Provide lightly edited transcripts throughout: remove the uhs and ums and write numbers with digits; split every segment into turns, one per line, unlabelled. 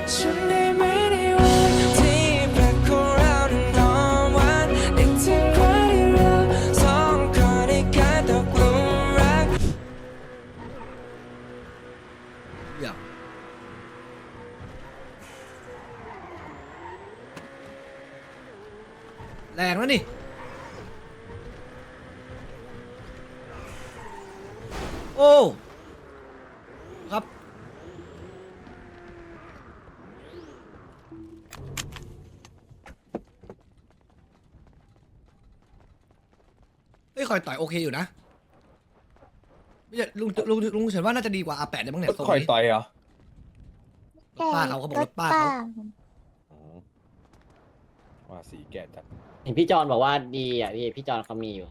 ฉันได้ไหมในวันที่แปลกของเรานั้นหอมหวานนึกถึงวันที่เราสองคนได้กลายตกหลุมรัก
อย่าแรงแล้วนี่โอ้ครับเฮ้ยคอยต่อยโอเคอยู่นะไม่ใช่ลุงเฉยว่าน่าจะดีกว่าอาแปดเนี่ยมั้งเนี่ยทรง
คอย
นี้
ต่อยเหรอ
รถป้าเขาบอกรถป้าเขา
อ๋อว่าสีแก่จัด
เห็นพี่จอนบอกว่าดีอ่ะพี่จอนเขามีอยู่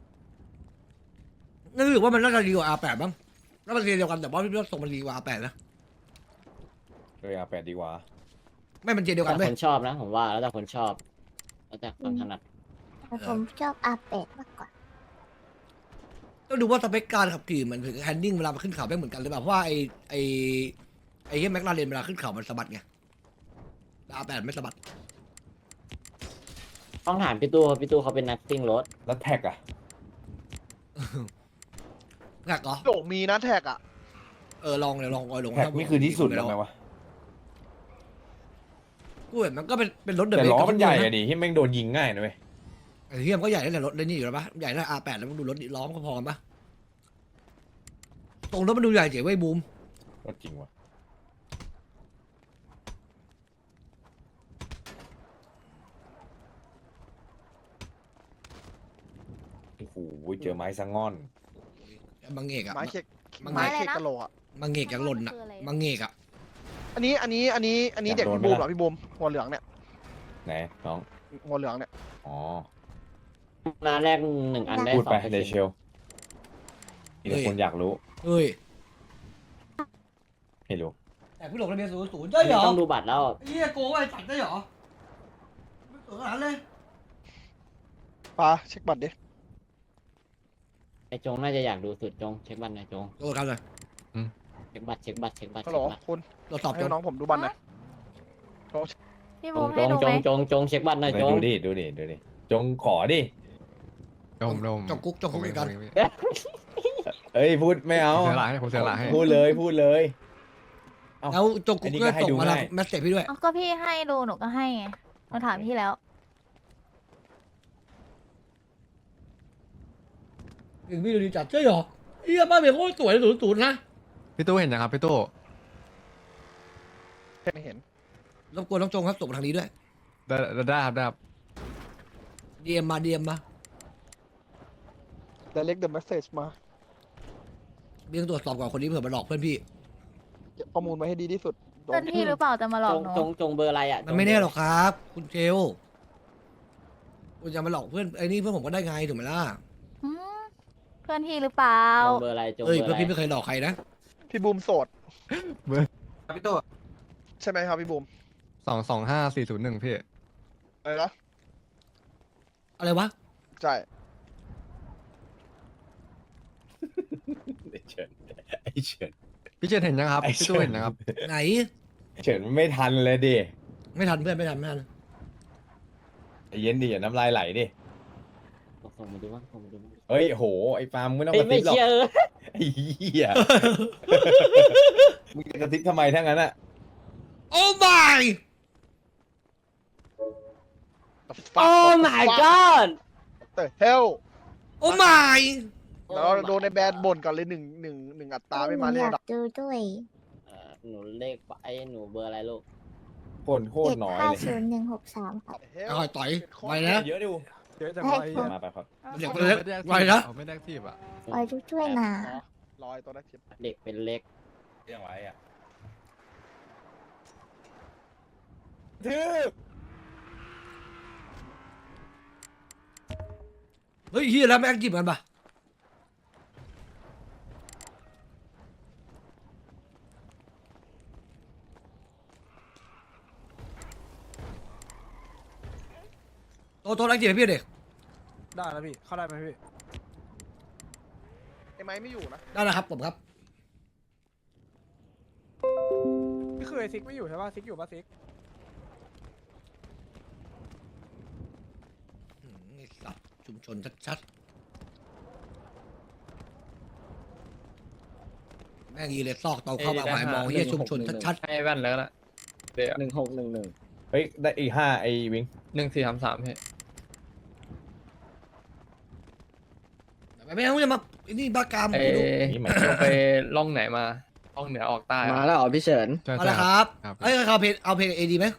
นึกว่ามันน่าจะดีกว่าอาแปดบ้างแล้วมันเรียนเดียวกันแต่ว่าพี่ว่าทรงมันดีกว่าอาแปดนะ
เลยอาแปดดีกว่า
ไม่มันเรียนเดียวกัน
แต่
ไหม
คนชอบนะผมว่าแล้วแต่คนชอบแล้วแต่ความถนัด
แต่ผมชอบอาเป็ดมากกว่า
ต้องดูว่าสเปคการขับขี่มันถึงแฮนดิ้งเวลามันขึ้นเขาไม่เหมือนกันหรือเปล่าเพราะว่าไอ้เฮียแม็กลาเรนเวลาขึ้นเขามันสะบัดไงแต่อาแปดไม่สะบัด
ต้องถามพี่ตู้เขาเป็นนักซิ่งรถ
แล้วแท็กอะ
แท็กเหรอ
โด่งมีนะแท็กอ่ะ
ลองเลยลองลอง
แท็กนี่คือที่สุดแล้วไหมวะ
กูเห็นมันก็เป็นรถเดิ
แต่
ม
ล้อมันใหญ่อะดิที่แม่งโดนยิงง่ายนะเว้ย
ไอ้เฮียมันก็ใหญ่ตั้งแต่รถเลยนี่อยู่แล้วปะใหญ่ตั้งอาแปดแล้วมันดูรถล้อมก็พอกันปะตรงรถมันดูใหญ่เจ๋งเว้ยบูม
รถจริงวะโอ้โหเจอไม้สังงอน
มังเอกอะ
ไม้เช็ค
มัง
ไม้เช็คกะโหลกอ่ะ
มังเอกยังหล่นอะมังเอกอะ
อันนี้เด็กพี่บูมเหรอพี่บูมหัวเหลืองเนี่ย
ไหนน้อง
หัวเหลืองเนี่ย
อ๋อ
ร้านแรก1 อันได้
พูดไป
2
เดเชลมีแต่คนอยากรู้
เฮ้ย
ไม่รู้
แต่พี่หลงระเบียน00ได้เหรอ
ต้องดูบัตรแล้ว
เฮียโกงไอ้สัตว์ได้เหรอไม่สวยขนาดนั้นเลย
ปาเช็คบัตรดิ
ไอจงน่าจะอยากดูสุดจงเช็คบัตรหน่อยจง
โกงกันเลย
เช็คบัตร
ฮัลโหลคุณ
เราตอบจ
ให้
น
น้องผมดูบัตรหน่อย
พี่
จ
บู
ง
ม
จ
ให้
ง
ดู
จ
ไหม
งจงจงเช็คบัตรหน่อยจง
ดูดิจงขอดิ
โดม
จงกุ๊กจงกุ๊กเหมือนกัน
เอ้ยพูดไม่เอา
ผมเสียหลายให้ผมเสียหลายให้
พูดเลยพูดเลย เอ้า
แล้วจงกุ๊ก
อันนี้
ก็
ก็ให้
ส่ง
ดู
มาทาง
ง่าย
แมสเซจพี่ด้วย
เอาก็พี่ให้ดูหนูก็ให้ไงมาถามพี่แล้ว
ถึงพี่ดูดีจัดใช่เหรอเฮียบ้านเมียโคตรสวย00นะ
พี่ตู้เห็นยังครับพี่ตู้
ไม่เห็น
รบกวนน้องจงครับส่งมาทางนี้ด้วย
ได้ครับได้ครับ
DM มา DM มา
direct the message มา
เบี้ยงตรวจสอบก่อนคนนี้เผื่อมาหลอกเพื่อนพี่
เก็บข้อมูลไว้ให้ดีที่สุดโด
เพื่อน นพี่หรือเปล่าจะมาหลอกหนู
จงเบอร์อะไรอ่ะ
มันไม่แน่หรอกครับ คุณเจลคุณจะมาหลอกเพื่อนไอ้นี่เพื่อนผมก็ได้ไงถูกไหมล่ะ
หืมเพื่อนพี่หรือเปล่า
จงเบอร์อะไรจงเบ
เอ้
อย ร์
เพื่
อะ
อน
ไร
พี่ไม่เคยหลอกใครนะ
พี่บูมโสด
พี่ตัว
ใช่ไหมครับพี่บูม
225401พี่
อะไรนะ
อะไรวะ
ใช่
ไอ้เฉินไอ้เฉิน
พี่เจนเห็นยังครับ
ไอ้
พี่ตู้เห็นยังครับ
ไหน
เฉินไม่ทันเลยดิ
ไม่ทันเพื่อนไม่ทัน
ไอ้เย็นดิอย่าน้ำลายไหลดิ
ส่งมาดูบ้างส่งมาดูบ้าง
เฮ้ยโหไอ้ฟาร์มไม่ต้อง
เอ้
ก
ย
ระ
ไม่
ซิบหรอก
เชื่อ
ไอ้เหี้ยมึงจะกระซิบทำไมทั้งนั้นอะ
โอ้ my
โอ้ my god
แต่เฮล
โอ้ my
แล้วเราโดนในแบรนด์บ่นก่อนเลยหนึ่งอัตราไม่มา
ห
เรี
นู
ย
อก ยากดูด้วย
หนูเลขหนูเบอร์อะไรลูก
โคตรน้อยเลย
750163ค่ะ
เอาคอยต่อยไปนะ
เยอะดิว
เยอะจัง
ให้
เลย
คุณ
มาไปครับ
เดี๋ยวเล็กไว้นะ
ไม่ได้ทีบอ่ะ
คอยดูด้วยนะ
ลอยตัวได้ทิป
เด็กเป็นเล็ก
เรื่องไว้อะทึบ
เฮ้ยเฮียแล้วแม่งจีบกันปะโตแรงจีบให้พี่เด็ก
ได้แล้วพี่ เข้าได้ไหมพี่
ไอ้ไม้ไม่อยู่นะ
ได้นะครับผมครับ
พี่คือ
คือไอซิกไม่อยู่ใช่ป่ะซิกอยู่ป่ะซิก
ไอ้สัตว์ชุมชนชัดๆแม่งยีเลยซอกตอนเข้ามาหมายมองเฮียชุมชนชัด
ให้แว่นแล้วละเดี๋ยว
เฮ้ยได้อีก5ไอ้วิง
1433พี่
ๆไม่ต้องจะมาไอ้นี่บ้ากาม
เอ
กูดู
นี่หมาย
ลงไปล่องไหนมาล่องเหนือออกใต้อะ
มาแล้วเหรอพี่เฉิน
ใช่
เอา
ใช่
ละครับ
ครับ
เอ้ยเอาเพลงเอดีไหม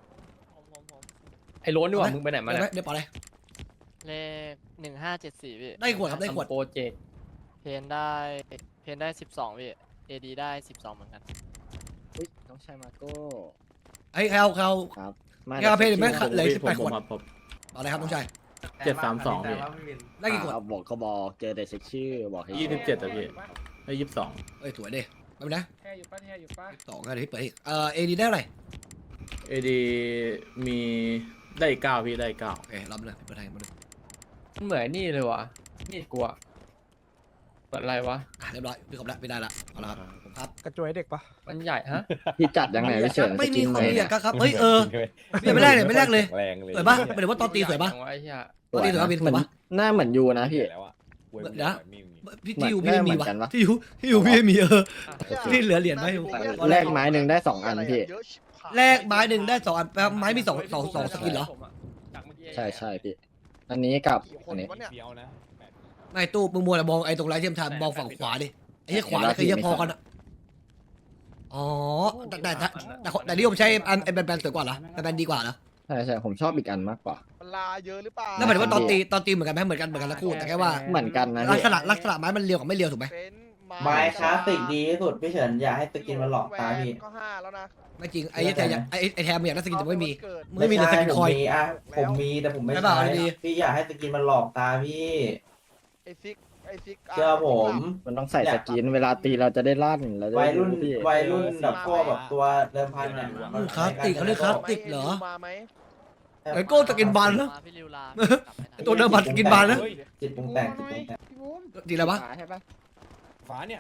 ไอ้โล้นดีกว่ามึงไปไหนมาเนี่ย
เดี๋ยวปล่อยเลย
เลข1574พี่
ได้ขวดครับได้ขวด
โปรเจกต์
เพนได้12พี่เอดีได้12เหมือนกัน
อุ้ยน้องชายมาโก้
ไอ้เขา
ครับ
เอาเพลงไหมเหลือ
ผม
18ขวด
ครับผม
ต่อเลยครับน้องชาย
732พี่
ได้กี่ขวด
เอาบอกก็บอกเจอแต่เช็คชื่อบอกให้
27อ่ะพี่ได้22
เอ้ยสวยดิไม่เป็นไร
แค่อยู่ป่ะแค่อยู่ป่ะ
สองกันที่เปิดอีกเอดีได้เท่าไหร่
เอดีมีได้อีก9พี่ได้อีก
โอเครับเลยเปิดไทยมาเลย
มันเหมือนนี่เลยวะนี่กลัวเปิดอะไรวะ
เรียบร้อยพี่ขอบแล้วไม่ได้ละเอาละครับผมครับ
กระจวยเด็กปะ
มันใหญ่ฮะ
พี่จัดยังไงพี่เฉิน
ไม่มีคน
สกิน
เรียก
ไหน
ครับเฮ้ยเนี่ยไม่แรกเลยไม่แรกเลย
แรงเลย
สวยปะหมายถึงว่าตอนตีสวยปะ
จังวไอ้เหี้ย
ตอนตีสวยปะพี่สวยปะ
หน้าเหมือนยูนะพี่
แล้วอ่ะ
เดี๋ยว พี่
เหมือน
ที่อยู่พี่ไม่มี
เหมื
วะ
อนกันวะ
ที่อยู่พี่ไม่มี
อ่ะ
ที่เหลือเหรียญไหม
แลกไม้หนึ่งได้2 อันพี่
เยอะชิบหาย
แลกไม้หนึ่งได้2 อันแปลว่าไม้มีสองสกินเหรอ
จากเมื่อกี้
ใช่ใช่พี่ อันนี้กับ
กี่ค
อั
น
นนี้
วะเนี่ย
เฟี้ยวนะ
ไม่ตู้มึงมัวแต่มองไอ้ตรงไลท์เทียมทานมองฝั่งขวาดิไอ้เหี้ยขวาแล้วคือเหี้ยพอกันอะอ๋อแต่นี่ผมใช้ไอ้แบนๆสวยกว่าเหรอแบนๆดีกว่าเหรอ
ใช่ใช่ผมชอบอีกอันมากกว่า
มันลาเยอะหรือเปล่า
แล้วหมายถึงว่าตอนตีเหมือนกันไหมเหมือนกันทั้งคู่แต่แค่ว่า
เหมือนกันนะ
ลัก
พี่
ษณะไม้มันเรียวกับไม่เรียวถูกไหม
เป็น
ไม้คลาสสิกดีที่สุดพี่เฉินอย่าให้สกินมันหลอกตาพี่
ก็5แล้วนะ
ไม่จริงไอ้แทมไอ้แทมอยากได้สกินแต่ไม่มี
เกิด
มึงไม่มีแต่สกิน
ผ
ค
ม
อย
มีอ่ะผมมีแต่ผมไม่
ใช่
ใช้
ป่ะเอาดี
พี่อย่าให้สกินมันหลอกตาพี่
ไอ้ซิก
เชื่อผม
มันต้องใส่สกินเวลาตีเราจะได้ลั่นเราจะ
วั
ได้
ยรุ่น
พี่
วัยรุ่นแบบพวกแบบตัวเดิมพันเนี่ย
คลาสติกเขาเรียกคลาสติกเหรอ
มาไหม
ไอ้โก้สกินบานนะ
มาพี่ริวลา
ไอ้ตัวเดิมพันกินบานนะ
จิตปรุงแต่งจิตปรุงแต่ง
ดีแล้วปะ
ใช่ปะ
ฟ้าเนี่ย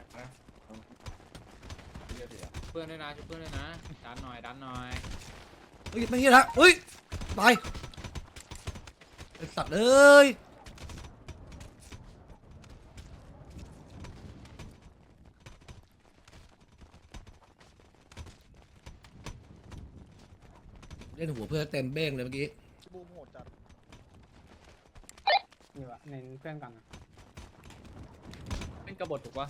เพื่อนด้วยนะช่วยเพื่อนด้วยนะดันหน่อยดันหน่อย
เฮ้ยไม่เฮียละเฮ้ยตายไอ้สัตว์เอ้ยเล่นหัวเพื่อนเต็มเบ้งเลยเมื่อกี้
บูมโหดจัด
นี่วะเน้นเพื่อนก่อนนะ
เป็นกบฏถูกปะ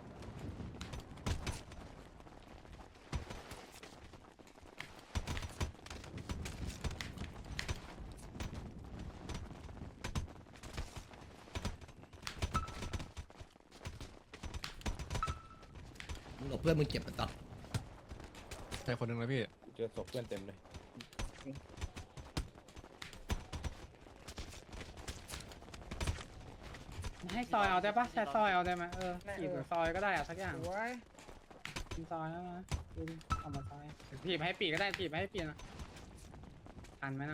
มึงบอกเพื่อนมึงเจ็บไปตัด
ใช่คนหนึ่งแล้วพี่
เจอศพเพื่อนเต็มเลย
ให้ซอยเอาได้ปะใช้ซอยเอาได้ไหมขีดหรือซอยก็ได้อะสักอย่างซอยแล้วนะเอามาซอยถีบให้ปีกก็ได้ถีบให้ปีกนะทันไหมนะ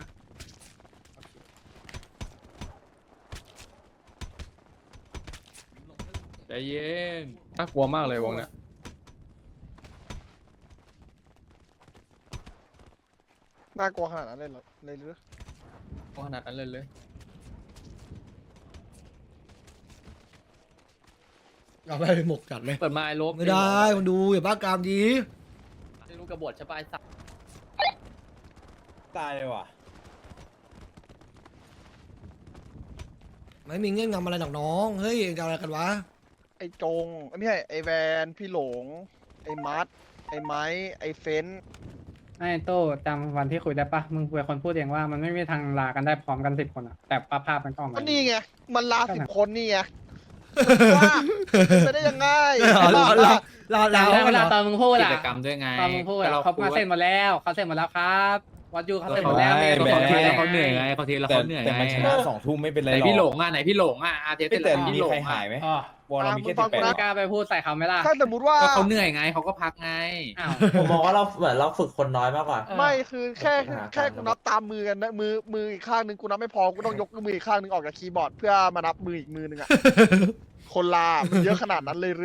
ใจเย็นน่ากลัวมากเลยวงเนี้ย
น่ากลัวขนาดนั้นเลยเหรอเลยหรือ
ขนาดนั้นเลย
เอาไปหมกจัดเลย
เปิดมาไอ้ลบ
ไม่ได้มันดูอย่าบ้ากามดี
ลูกกระบฏใช่ปะไอ้สัตว์
ตายเลยว่ะ
ไม่มีเงื่อนงำอะไรหรอกน้องเฮ้ยเองจะเอาอะไรกันวะ
ไอ้จงไม่ใช่ไอ้แวนพี่หลง ไอ้มัดไอ้ไม้ไอ้เฟน
ไอ้โต้จำวันที่คุยได้ปะมึงเป็นคนพูดเองว่ามันไม่มีทางลากันได้พร้อมกัน10 คนอะแต่ภาพมันก็ออกมา
ก็นี่ไงมันลา10 คนนี่ไงว่าไปได้ยังไง
ลา
แต่เวลาต
ต
อนมึงพูด
กิ
อะ
จกรรมด้วยไง
ตอนมึงพูดอะเขามาเซ็นหมดแล้วเขาเซ็นหมดแล้วครับวัดยูเขาเซ็นหมดแล้วเนี่ย
เขาเหนื่อยไงเขาทีละ
แต่
เขาเหนื่อย
แต่มันช
ไง
นะ2 ทุ่มไม่เป็นไร
ไหน
หรอก
พี่หลงอ่ะไหนพี่หลงอ่ะอาเทส
แต่
แต่
มี
พี่หล
ใครง หายไหม
อ๋อ
วอลเรามีแค่
ฟังกู
ไม่
นะ
กล้าไปพูดใส่เขาไหมล่ะ
ถ้าสมมติว่า
ก็เขาเหนื่อยไงเขาก็พักไง
อ้าว
ผมมองว่าเราเหมือนเราฝึกคนน้อยมากกว่า
ไม่คือแค่กูนับตามมือกันนะมืออีกข้างหนึ่งกูนับไม่พอกูต้องยกมืออีกข้างหนึ่งออกจากคีย์บอร์ดเพื่อมานับมืออีกมือหนึ่งอะคนลามันเยอะขนาดนั้นเลยหรือ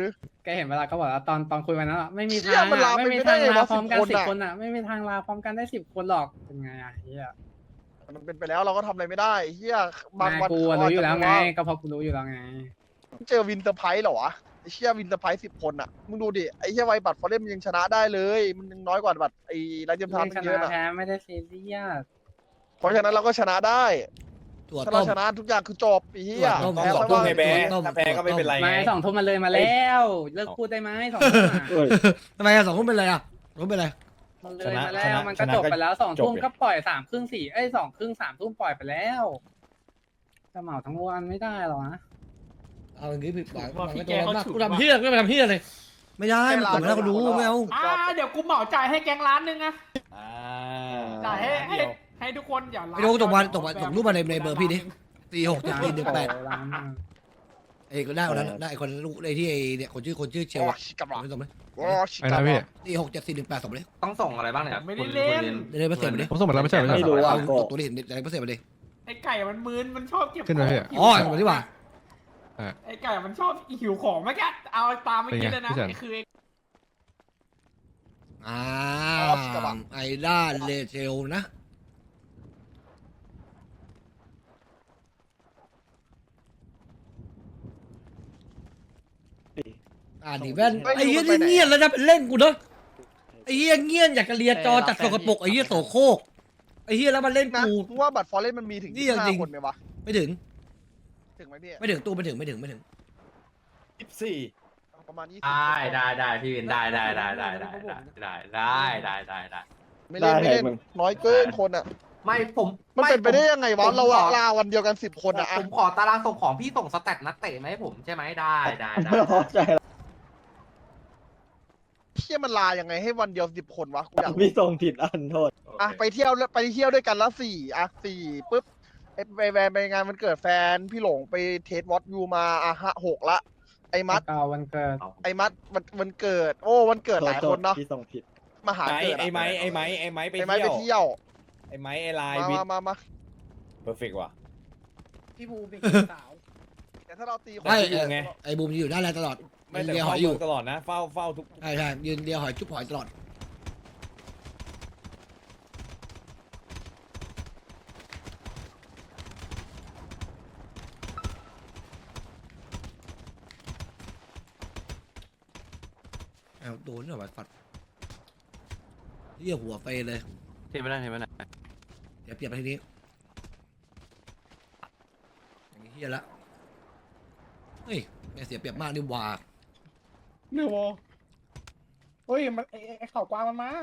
กเห็นเวลาเขาบอกว่าตอนคุยวันนั้นอะไม่มี
เชี่
ทาย ง
มันลา
อะ
ไป
ไม่มี
ไม่
ทา
ได้
ง
ไงะ
ลาวพร้อมกัน
10
10 คนอะไม่มีทางลาพร้อมกันได้10 คนหรอกเป็นไงอะเฮีย
มันเป็นไปแล้วเราก็ทำอะไรไม่ได้เฮียบาง
นาย
วัน
กู
เขา
รู้อยู่แล้วไง
อาจจะ
ก็เพอกูรู้อยู่แล้วไง
เจอวินเตอร์ไพรส์เหรอวะไอ้เชี่ยวินเตอร์ไพรส์10 คนอ่ะมึงดูดิไอ้เชี่ยไวบัตรฟอร์เรมยังชนะได้เลย มันยังน้อยกว่าบัตรไอ้ไรเจมทาน
ไม่ช
เย
นะ
อะนะ
แพ้ไม่ได้ซีเรียส
เพราะฉะนั้นเราก็ชนะได้
ถั่ว
ถ้า
ต้
เรา
ม
ชนะทุกอย่างคือจบไอ้เหี้ย
ต้ม
ต้
แพ้
องสอง
แล้ว
ทุ่ม
ก็
ไงแบ๊ะ
ต้ม
ถ้าแพ้ก็ไม่เป็นไรไง
ไม่2 ทุ่มมันเลยมาแล้วเลิกพูดได้ไหม2 ทุ่มอะ
ทำไมอะ2 ทุ่มเป็นไรอะ2 ทุ่มเป็นไร
มันเลยมาแล้วมันก็จบไปแล้ว2 ทุ่มก็ปล่อย3 ครึ่ง42 ครึ่ง3 ทุ่มปล่อยไปแล้วจะเหมาทั้งวันไม่ได้หรอนะ
เอาอย่างงี้ผิดหวังไม่ต้องมากกูทำเฮี้ยไม่ไปทำเฮี้ยเลยไม่ได้มันตกแล้วก็ดูไม่เอา
เดี๋ยวกูเหมาจ่ายให้แกงร้านนึงอะ
อ่า
จ่ายให้ทุกคนอย่า
ไอ้โดนตกรูปมาในเบอร์พี่ดิ46
ร้าน
ไอ้ก็ได้คนนั้นได้คนลูกไอ้ที่ไอ้เนี่ยคนชื่อเชล
โอ้
อะ
ชิกำลัง
ไม่ส่งเลย
โอ้ชิ
ไอ้
กำ
นะ
ลั
พี่
ง
467418ส่งเลย
ต้องส่งอะไรบ้างเนี่ย
ไม่ได้เล่น
เดี๋ยวไปเสร็จมาดิ
ผมส่งหมดแล้วไม่ใช่เหรอ
ไม่รู้อ่ะ
เอาตัวนี้เห็นเดี๋ยวไปเสร็จมาดิ
ไอ้ไก่มันมึนมันชอบเก็บ
ขึ้นมาพี่
อ๋อมาดีกว่า
ไอ้ไก่มันชอบหิวของไม่แค่เอาตามไม่กินเลยนะ
เป็นไงพี่
คือ
ไอ้ด้านเลเชลนะดิแว่นไอ้เหี้ยนี่เงียบแล้วนะเป็นเล่นกูเนาะไอ้เหี้ยเงียบอยากจะเลียจอจัดสกปรกไอ้เหี้ยโสโครกไอ้เหี้ยแล้วมันเล่น
นะ
กู
มึงว่าบัตรฟอร์เรมมันมีถึง
นี่จริง
25 คนไหมวะ
ไม่ถึง
ถึงไหมพี่
ไม่ถึงตู้ไม่ถึง
24
ประมาณ20
ได้พี่วินได้
ไม่เล่น
ได้
ไม่เล่นน้อยเกินคนอ่ะ
ไม่ผม
มันเป็นไปได้ยังไงวะเราลาวันเดียวกัน10 คนอ่ะ
ผมขอตารางส่งของพี่ส่งสแตทนักเตะมาให้ผมใช่ไหมได้
เชี่ยมันลายังไงให้วันเดียว10 คนวะกูอยากรู้
พี่ส่งผิดอันโทษ
อ่ะไปเที่ยวด้วยกันละ4อ่ะ4ปุ๊บไปแวนไปงานมันเกิดแฟนพี่หลงไปเทสวอตยูมาอ่ะ6ละไอ้มัด
เก่าวันเกิด
วันเกิดโอ้วันเกิดหลายคนเนาะ
พี่ส่งผิด
มาหาเกิด
ไอ้ไม้ไป
ไอ้ไม้ไป
เที่ยว
เที่ยว
ไอ้ไม้ไอ้ลายวิท
มา
เพอร์เฟกต์ว่ะ
พี่บูเป็นสาว
แต่ถ้าเราตีคน
ไม่
แต่ที่อยู่ไง
ไอ้บูมอยู่ได้แล้วตลอด
ไม่แต่
เลียห
เฝ้า
อยอยู่
ตลอดนะเฝ้าทุก
ใช่ยืนเลียหอยจุ๊บหอยตลอดเอาโดนเหรอวะปัดเรียหัวเฟยเลย
เทไม่ได้
เดี๋ยวเปลี่ยนไปทีนี้อย่างนี้เฮียละเฮ้ยไม่เสียเปรียบมากนี่หว่า
เนื้อวอเฮ้ยมันไอ้เข่ากวางมันมา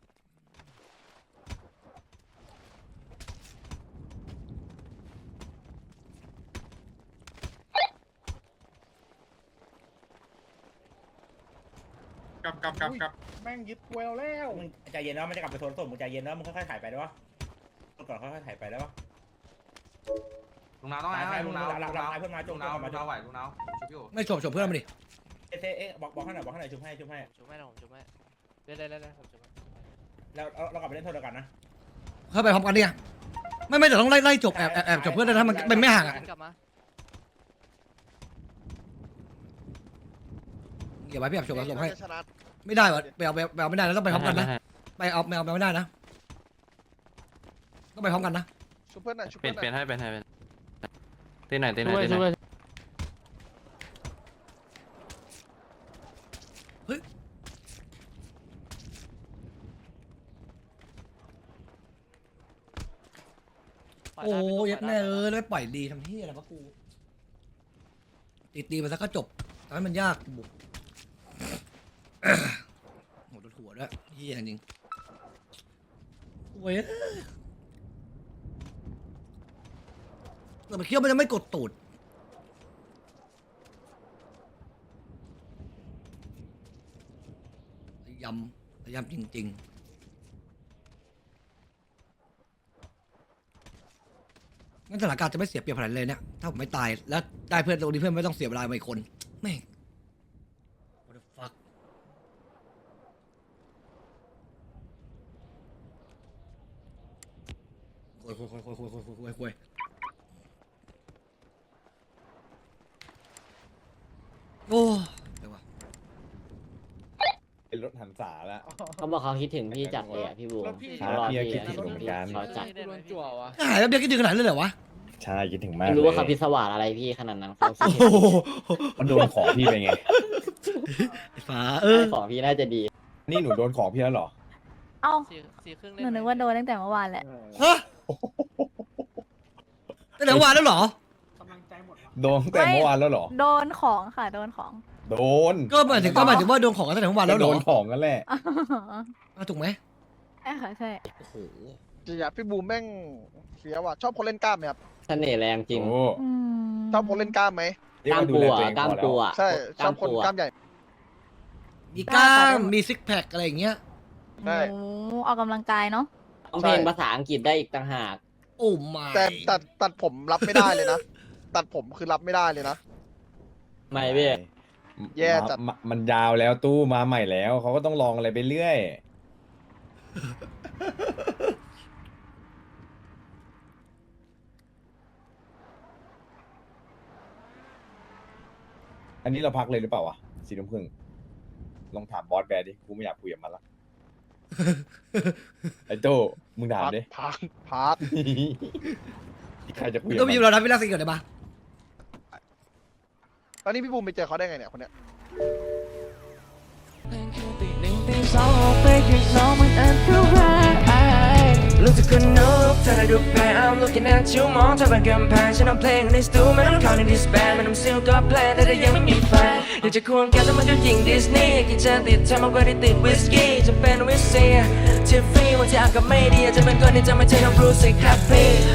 กับแม่งยึดเวลแล้ว
มึงใจเย็นนะมันจะกลับไปโซนต้นมึงใจเย็นนะมึงค่อยๆถ่ายไปได้ปะก่อนค่อยๆถ่ายไปได้ปะ
ลุงน้าต้องไงลุงน้า
หลังเพื่อนมาจง
ลุงน้าไหวลุงน้าชุบอยู่
ไม่ฉบเพื่อนมาดิ
เอ๊ะบอกให้หน่อยชุบให้
ผมชุบไม่ได้ผมชุบไม่ได้ผมชุบไม่
แล้วเรากลับไปเล่นโทษกันนะ
เข้าไปพร้อมกันเนี่ยไม่แต่ต้องไล่จบแอบจบเพื่อนนะถ้ามันไม่ห่างอ่ะ
กลับมา
เดี๋ยวไว้พี่แอบจบแล้วจบให้
ชนะ
ไม่ได้วะไปเอาไม่ได้แล้วต้องไปพร้อมกันนะไปเอาแมวไม่ได้นะต้องไปพร้อมกันนะ
ชุบเพื่อนหน่อยชุบ
เปลี่
เพื่
ย
อน นหน่อย
ให้ตีไหนตีไหน
โอ้ยยัดแน่แล้วปล่อยดีทำที่อะไรวะกูตีไปซะก็จบทำให้มันยากบุกโหโดนหัวด้วยเฮียจริงโว้ยแต่มันเคี้ยวมันจะไม่กดตูดยำจริงๆงั้นสถานการณ์จะไม่เสียเปรียบขนาดเลยเนี่ยถ้าผมไม่ตายแล้วได้เพื่อนตรงนี้เพื่อนไม่ต้องเสียเวลาไปคนแม่ง what the fuck คุยโอ้เดี๋ยววะ
ษาแล้ว
เขาบอกเขาคิดถึงพี่จัดเลยอ่ะพี่บูม
พี่
เขารอ
พี่
พี่
คิดถึงเหมือนกัน
เขาจัด
โดนจั่ววะ
หายแล้วเบียร์คิดถึงขนาดนั้นเลยเหรอวะ
ใช่คิดถึงมาก
ไม่รู้ว่าเขา
เลย
พิศวาสอะไรพี่ขนาดนั้นเขาคิด
โอ้โห
มันโดนของพี่ไปไง
ไอ้ฟ้า
ของพี่น่าจะดี
นี่หนูโดนของพี่แล้วเหรอ
เอ้า
สี่ครึ่ง
หนูนึกว่าโดนตั้งแต่เมื่อวานแหละ
ฮะตั้งแต่เมื่อวานแล้วเหรอ
กำลังใจหมดว่ะ
โดนตั้งแต่เมื่อวานแล้วเหรอ
โดนของค่ะ โดนของ
โดน
ก็หมายถึงว่าโดนของกันตั้งแต่เมื่อวานแล้วเหร
โด
อน
ของกันแหละ
ถูกไหม
ใช่ค่ะใช่
โอ้โห
จริงอะพี่บูมแม่งเสียว่ะชอบคนเล่นกล้ามไหมครับ
เสน่ห์แรงจริง
โอ้
อืม
ชอบคนเล่นกล้ามไหม
เรีย
กล้าม
ว่ดู
ปู
แล
อ่ะ
ตัวเอง
กล้าม
พอแล้ว
ปูอ่ะ
ใช่ชอบคน
ปู
กล้ามใหญ่
มีกล้ามมีซิกแพคอะไรอย่างเงี้ย
ใช่
โอ้ออกกำลังกายเนาะ
ร้องเพลงภาษาอังกฤษได้อีกต่างหาก
โอ้ไม่
แต่ตัดผมรับไม่ได้เลยนะ ตัดผมคือรับไม่ได้เลยนะ
ไม่พี่
แย่จัด
มันยาวแล้วตู้มาใหม่แล้วเขาก็ต้องลองอะไรไปเรื่อย อันนี้เราพักเลยหรือเปล่าวะ4 ทุ่มครึ่งลองถามบอสแบร์ดิกูไม่อยากคุยกับมันละ ไอ้โต้มึงถามดิ
พาร์ทพาร์ท
ใครจะคุยกับ
ก็
มั
มี
น
เราทำวิลาสิก่อนได้ปะ
ตอนนี้พี่บูมไปเจอเขาได้ไงเนี่ยคนเนี้ย
ตีหนึ่งตีสองออกไปข้างนอกมันอันตรายลูกจะคนนกเธอได้ดูแพ้ I'm looking at you มองเธอเป็นกำแพงฉันเอาเพลงในสตูไม่ต้องเข้าในดิสแบนไม่ต้องซิลก็แพลนแต่ยังไม่มีแฟนอยากจะควงแกแต่มันก็ยิงดิสนีย์กินเจนติดเธอมากกว่าที่ติดวิสกี้จะเป็นวิสเซียที่ฟรีวันที่อากาศไม่ดีจะเป็นคนที่จะไม่ใช่น้องบรูซสิครับพี่